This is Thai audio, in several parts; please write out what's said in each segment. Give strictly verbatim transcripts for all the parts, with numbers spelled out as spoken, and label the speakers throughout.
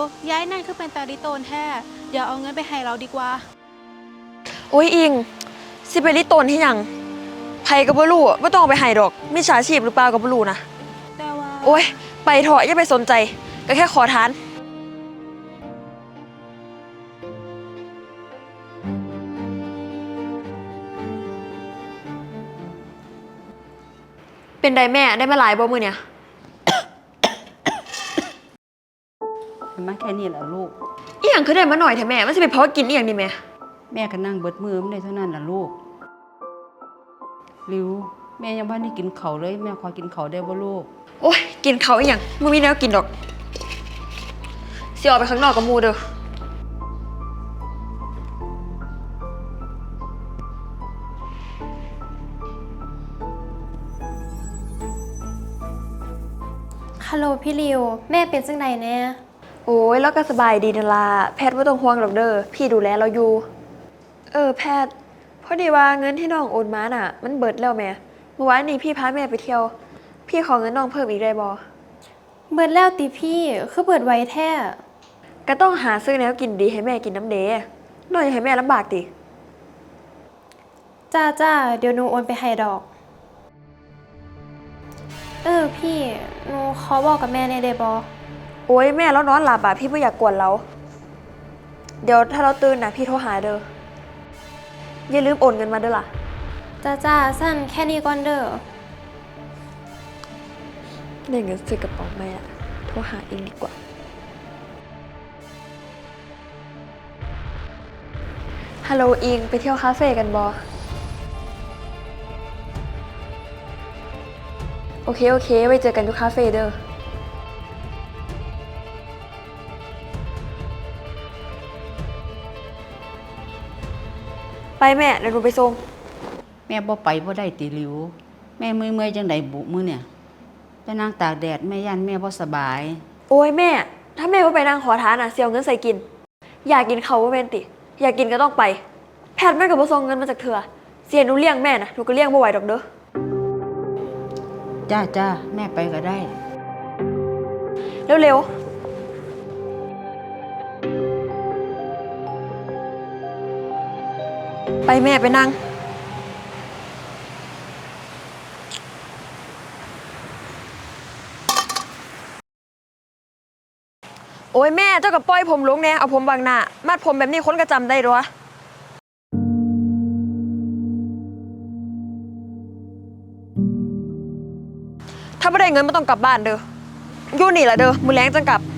Speaker 1: ย้ายนั่นคือเป็นตาดิโตนแท้เดี๋ยวเอาเงินไปให้เราดีกว่า
Speaker 2: โอ้ยอิงสิไปริโตนที่ยังไผก็บ่รู้บ่ต้องเอาไปให้ดอกมิจฉาชีพหรือเปล่าก็บ่รู้นะ
Speaker 1: แต่ว่า
Speaker 2: โอ้ยไปเถอะอย่าไปสนใจก็แค่ขอทานเป็นไดแม่ได้มาหลายบ่มื้อเนี่ย
Speaker 3: มาแค่นี้แหละลูก
Speaker 2: อีหยังคือได้มาหน่อยแท้แม่มันสิไปพอกินอีหยังนี่แม่
Speaker 3: แม่ก็นั่งเบิดมือมันได้เท่านั้นล่ะลูกริวแม่ยังบ่ได้กินข้าวเลยแม่ขอกินข้าวได้บ่ลูก
Speaker 2: โอ้ยกินข้าวอีหยังบ่มีแนวกินดอกสิออกไปข้างนอกกับหมู่เด้อ
Speaker 4: ฮัลโหลพี่ริวแม่เป็นจังไดแน่
Speaker 2: โอ้ยแล้วก็สบายดีนั่นล่ะแพทย์บ่ต้องห่วงดอกเด้อพี่ดูแลเราอยู่เออแพทย์พอดีว่าเงินที่น้องโอนมาน่ะมันเบิดแล้วแม่เมื่อวานนี้พี่พาแม่ไปเที่ยวพี่ขอเงินน้องเพิ่มอีกได้บ่
Speaker 4: เบิดแล้วติพี่คือเบิดไว้แท้
Speaker 2: ก็ต้องหาซื้อแนวกินดีให้แม่กินน้ำเด้น้องอย่าให้แม่ลำบากติ
Speaker 4: จ้าจ้าเดี๋ยวหนูโอนไปให้ดอกเออพี่หนูขอบอกกับแม่ในเดบอ
Speaker 2: โอ้ยแม่แล้วนอนหลับอ่ะพี่ไม่อยากกวนเราเดี๋ยวถ้าเราตื่นนะพี่โทรหาเด้ออย่าลืมโอนเงินมาเด้อล่ะ
Speaker 4: จ้าจ้าสั้นแค่นี้ก่อนเด้อ
Speaker 2: ได้เงินซื้อกระเป๋าแม่โทรหาเองดีกว่าฮัลโหลอิงไปเที่ยวคาเฟ่กันบอโอเคโอเคไว้เจอกันที่คาเฟ่เด้อไปแม่เดี๋ยวหนูไปส่ง
Speaker 3: แม่บ่ไปบ่ได้ติริวแม่เมื่อยๆจังไดบุมื้อเนี่ยไปนั่งตากแดดแม่ย่านแม่บ่สบาย
Speaker 2: โอ้ยแม่ถ้าแม่ว่าไปนั่งขอทานอ่ะเสียเงินใส่กินอยากกินเขาว่าเป็นติอยากกินก็ต้องไปแพทย์แม่กับบ่ส่งเงินมาจากเธอเสียหนูเลี้ยงแม่นะหนูก็เลี้ยงบ่ไหวดอกเด้อ
Speaker 3: จ้าจ้าแม่ไปก็ได้
Speaker 2: เร็วๆไปแม่ไปนั่งโอ้ยแม่เจ้ากับป้อยผมลงแน่เอาผมบางหน้ามัดผมแบบนี้คนก็จำได้ด้วยถ้าไม่ได้เงินไม่ต้องกลับบ้านเด้ออยู่นี่แหละเด้อมือแรงจังกลับ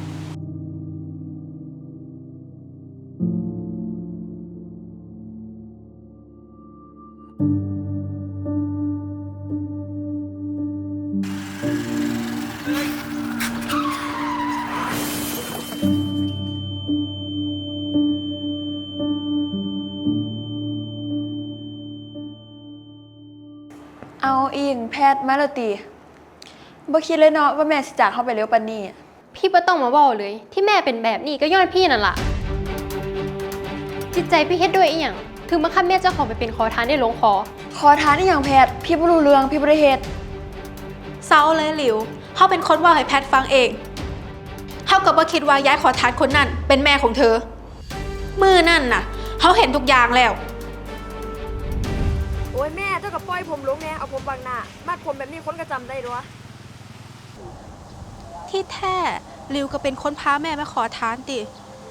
Speaker 2: เอาอิงแพทย์มาแล้วตีบ่คิดเลยเนาะว่าแม่สิจากเข้าไปเร็วปานนี้
Speaker 4: พี่บ่ต้องมาบอกเลยที่แม่เป็นแบบนี้ก็ย้อนพี่นั่นล่ะจิตใจพี่เฮ็ดด้วยอีหยังถึงบังคับแม่เจ้าของไปเป็นขอทานได้ลงคอ
Speaker 2: ขอทานอีหยังแพทย์พี่บ่รู้เรื่องพี่บ่ได้เฮ็ด
Speaker 1: เศร้าเลยหลิวเขาเป็นคนว่าให้แพทฟังเองเขาก็บ่คิดว่าย้ายขอทานคนนั้นเป็นแม่ของเธอมือนั่นน่ะเขาเห็นทุกอย่างแล้ว
Speaker 2: โอ้ยแม่เจ้ากับป้อยผมลงแน่เอาผมบางหน้ามัดผมแบบนี้คนก็จำได้ด้วย
Speaker 1: ที่แท้ลิวก็เป็นคนพาแม่มาขอทานติ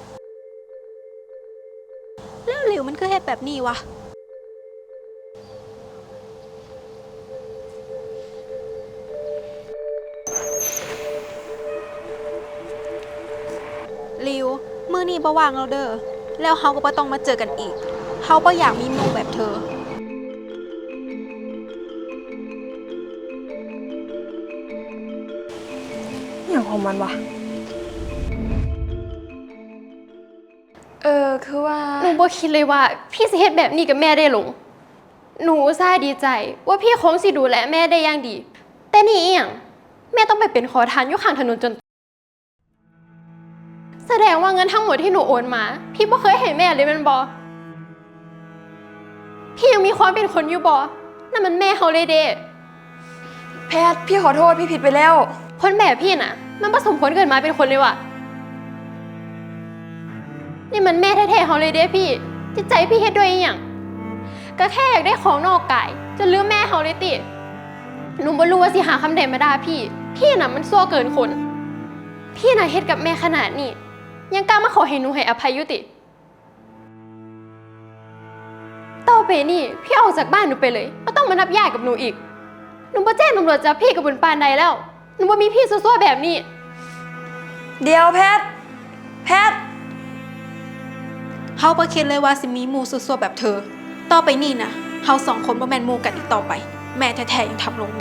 Speaker 1: แล้วลิวมันคือเฮ็ดแบบนี้วะลิวมื้อนี้บ่ว่างแล้วเด้อแล้วเฮาก็บ่ต้องมาเจอกันอีกเฮาบ่อยากมีหมู่แบบเธอ
Speaker 2: อย่างของมันวะเออคือว่า
Speaker 4: หนูบ่คิดเลยว่าพี่สิเฮ็ดแบบนี้กับแม่ได้หลงหนูอุตส่าห์ดีใจว่าพี่คงสิดูแลแม่ได้อย่างดีแต่นี่อีหยังแม่ต้องไปเป็นขอทานอยู่ข้างถนนจนแสดงว่าเงินทั้งหมดที่หนูโอนมาพี่บ่เคยให้แม่เลยแม่นบ่พี่ยังมีความเป็นคนอยู่บ่นั่นมันแม่เฮาเลยเด้
Speaker 2: แพทย์พี่ขอโทษพี่ผิดไปแล้ว
Speaker 4: คนแบบพี่น่ะมันผสมผลเกิดมาเป็นคนเลยว่ะนี่มันแม่แท้ๆเขาเลยเด้พี่จิตใจพี่เฮ็ดด้วยอหย่างก็แค่อยากได้ของนอกกายจนลืมแม่เขาเลยติหนูบ่รู้ว่าสิหาคำใดมาด่าพี่ พี่น่ะมันซั่วเกินคน พี่น่ะเฮ็ดกับแม่ขนาดนี้ยังกล้ามาขอให้หนูให้อภัยอยู่ติต่อไปนี่พี่ออกจากบ้านหนูไปเลยไม่ต้องมานับญาติกับหนูอีกหนูบ่แจ้งตำรวจจับพี่กับบุญปานใดแล้วหนูบ่มีพี่ซั่วๆแบบนี้
Speaker 2: เดี๋ยวแพท แพท
Speaker 1: เฮาบ่คิดเลยว่าสิมีหมู่ซั่วๆแบบเธอ ต่อไปนี่นะเฮาสองคนบ่แม่นหมู่กันอีกต่อไป แม่แท้ๆยังทำลงได้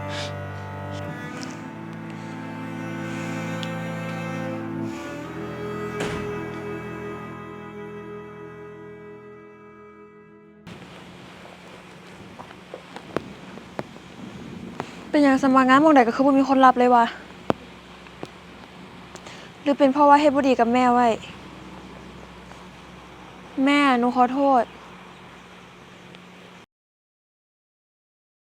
Speaker 2: เป็นอย่างสมัครงานหมองใดก็คือบ่มีคนรับเลยวะหรือเป็นเพราะว่าเฮ็ดบ่ดีกับแม่ไว้ แม่หนูขอโทษ